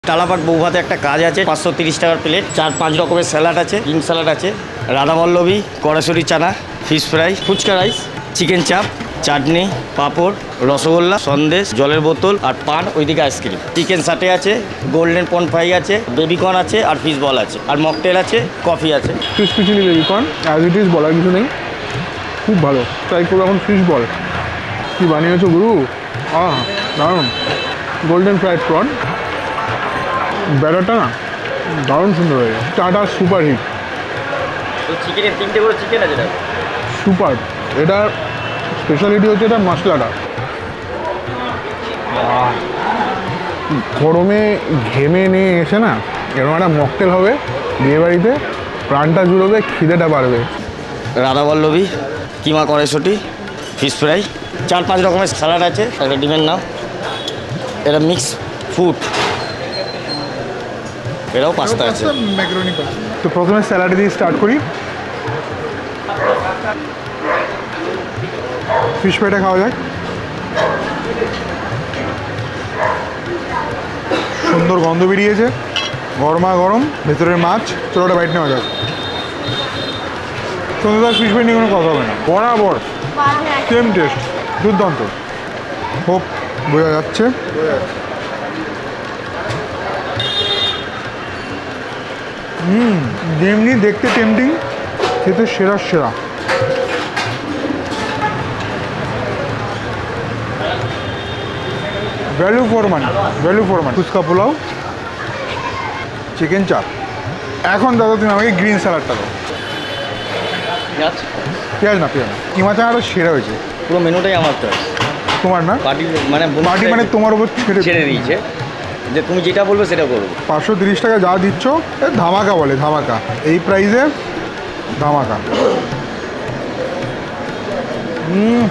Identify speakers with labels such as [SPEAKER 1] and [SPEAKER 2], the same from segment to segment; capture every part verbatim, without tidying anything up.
[SPEAKER 1] তালাপাট বৌভাতে একটা কাজ আছে, পাঁচশো তিরিশ টাকার প্লেট, চার পাঁচ রকমের স্যালাড আছে, গ্রিন স্যালাড আছে, রাধাবল্লভী, কড়াশুরি chana, fish fry, fuchka rice, chicken chaap, chutney, পাঁপড়, রসগোল্লা, সন্দেশ, জলের বোতল আর পান, ওইদিকে আইসক্রিম, চিকেন সাটে আছে, গোল্ডেন পন ফ্রাই আছে, বেবিকর্ন আছে আর ফিশ বল আছে আর মকটেল আছে, কফি আছে।
[SPEAKER 2] Fish chilli baby corn as it is, বলার কিছু নেই, খুব ভালো। ট্রাই করবো এখন ফিশ বল। কী বানিয়েছো গুরু, আহ দারুণ। গোল্ডেন ফ্রাইড প্রন, ব্যাটারটা না দারুণ সুন্দর হয়ে গেছে। চাটা সুপার হিট,
[SPEAKER 1] তো চিকেনের তিনটে করে চিকেন আছে,
[SPEAKER 2] সুপার। এটার স্পেশালিটি হচ্ছে এটা মশলাটা। গরমে ঘেমে নিয়ে এসে না এরকম একটা মকটেল হবে বিয়েবাড়িতে, প্রাণটা জুড়বে, খিদেটা বাড়বে।
[SPEAKER 1] রাধাবল্লভী, কিমা কড়াইশুটি, ফিশ ফ্রাই, চার পাঁচ রকমের স্যালাড আছে, একটা ডিমের নাম, এটা মিক্স ফুড, এটাও পাস্তা আছে।
[SPEAKER 2] তো প্রথমে স্যালাড দিয়ে স্টার্ট করি। ফিশ ফ্রাইটা খাওয়া যাক। সুন্দর গন্ধ বেরিয়েছে, গরমা গরম, ভেতরের মাছ। চলোটা বাইট নেওয়া যাক। সন্ধ্যাদার ফিশ ফ্রাই নিয়ে কোনো কথা হবে না, বরাবর সেম টেস্ট, দুর্দান্ত। হোপ বোঝা যাচ্ছে। হুম, যেমনি দেখতে টেম্পটিং, খেতে সেরা সেরা। Value for money, value for money. Phuchka pulao, chicken chaap. এখন দাদা তুমি আমাকে গ্রিন স্যালাডটা দাও। পেঁয়াজ না, পেঁয়াজ না, কিমা চানাটা সেরা হয়েছে।
[SPEAKER 1] পুরো মেনুটাই আমার চয়েস,
[SPEAKER 2] তোমার না
[SPEAKER 1] পার্টি মানে
[SPEAKER 2] পার্টি মানে তোমার ওপর ছেড়ে
[SPEAKER 1] ছেড়ে দিয়েছে যে তুমি যেটা বলবে সেটা করবো।
[SPEAKER 2] পাঁচশো তিরিশ টাকা যা দিচ্ছ এ ধামাকা বলে, ধামাকা। এই প্রাইসে ধামাকা। হুম,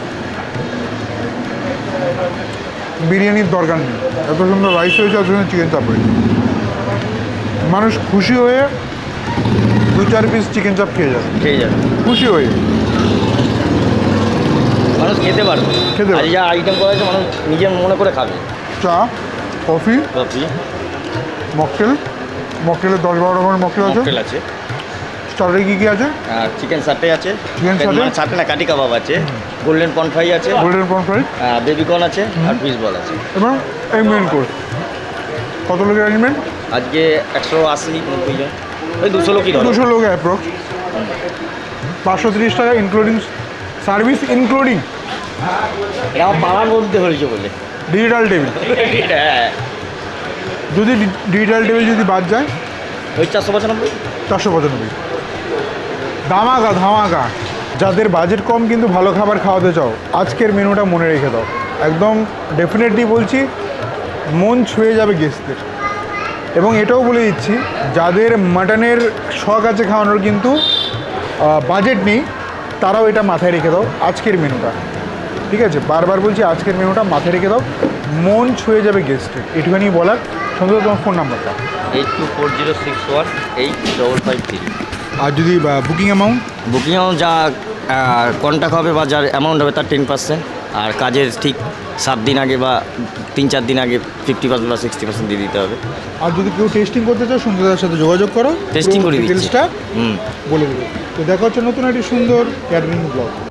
[SPEAKER 2] বিরিয়ানির দরকার নেই, এত সুন্দর রাইস হয়েছে, এত সুন্দর চিকেন চাপ হয়েছে। মানুষ খুশি হয়ে দু চার পিস চিকেন চাপ খেয়ে যাবে,
[SPEAKER 1] খেয়ে যাবে
[SPEAKER 2] খুশি হয়ে।
[SPEAKER 1] মানুষ খেতে পারবে,
[SPEAKER 2] খেতে পারবে।
[SPEAKER 1] আর যা আইটেম করা আছে মানুষ নিজের মনে করে খাবে।
[SPEAKER 2] চা, কফি,
[SPEAKER 1] কফি,
[SPEAKER 2] মকটেল। মকটেলের দশ বারো রকমের মকটেল আছে।
[SPEAKER 1] মকটেল আছে,
[SPEAKER 2] স্টার্টারে কী কী আছে?
[SPEAKER 1] আর চিকেন সাটে আছে,
[SPEAKER 2] চিকেন সাটে?
[SPEAKER 1] মানে সাটে না, কাটি কাবাব আছে, গোল্ডেন পন ফ্রাই আছে,
[SPEAKER 2] গোল্ডেন পন ফ্রাই,
[SPEAKER 1] বেবিকর্ন আছে আর ফিশ বল আছে।
[SPEAKER 2] এবং এই মেন কোর্স। কত লোকের অ্যারেঞ্জমেন্ট?
[SPEAKER 1] আজকে একশো আশি নব্বই জন, ওই দুশো লোকই ধরো।
[SPEAKER 2] দুশো লোক অ্যাপ্রক্স। পাঁচশো তিরিশ টাকা ইনক্লুডিং সার্ভিস, ইনক্লুডিং
[SPEAKER 1] এটা আমার পাড়ার মধ্যে হয়েছে বলে।
[SPEAKER 2] Digital table.
[SPEAKER 1] হ্যাঁ,
[SPEAKER 2] যদি ডিজিটাল টেবিল যদি বাদ যায়,
[SPEAKER 1] ওই চারশো পঁচানব্বই।
[SPEAKER 2] চারশো পঁচানব্বই। ধামাকা ধামাকা। যাদের বাজেট কম কিন্তু ভালো খাবার খাওয়াতে চাও, আজকের মেনুটা মনে রেখে দাও। একদম ডেফিনেটলি বলছি, মন ছুঁয়ে যাবে গেস্টদের। এবং এটাও বলে দিচ্ছি, যাদের মাটনের শখ আছে খাওয়ানোর কিন্তু বাজেট নেই, তারাও এটা মাথায় রেখে দাও আজকের মেনুটা। ঠিক আছে, বারবার বলছি, আজকের মেনুটা মাথায় রেখে দাও, মন ছুঁয়ে যাবে গেস্টের। এটুখানি বলার। সুন্দর, তোমার ফোন নাম্বারটা?
[SPEAKER 1] Eight two four zero six one eight double five three.
[SPEAKER 2] আর যদি বুকিং অ্যামাউন্ট?
[SPEAKER 1] বুকিং অ্যামাউন্ট যা কন্ট্যাক্ট হবে বা যার অ্যামাউন্ট হবে তার টেন পার্সেন্ট, আর কাজের ঠিক সাত দিন আগে বা তিন চার দিন আগে ফিফটি পার্সেন্ট বা সিক্সটি পার্সেন্ট দিয়ে দিতে হবে।
[SPEAKER 2] আর যদি কেউ টেস্টিং করতে চাও, সুন্দরদার সাথে যোগাযোগ করো,
[SPEAKER 1] টেস্টিং করে দিচ্ছি।
[SPEAKER 2] ডিটেলসটা
[SPEAKER 1] হুম,
[SPEAKER 2] বলে দেবো। তো দেখা হচ্ছে নতুন একটি সুন্দর ক্যাটারিং ব্লগ।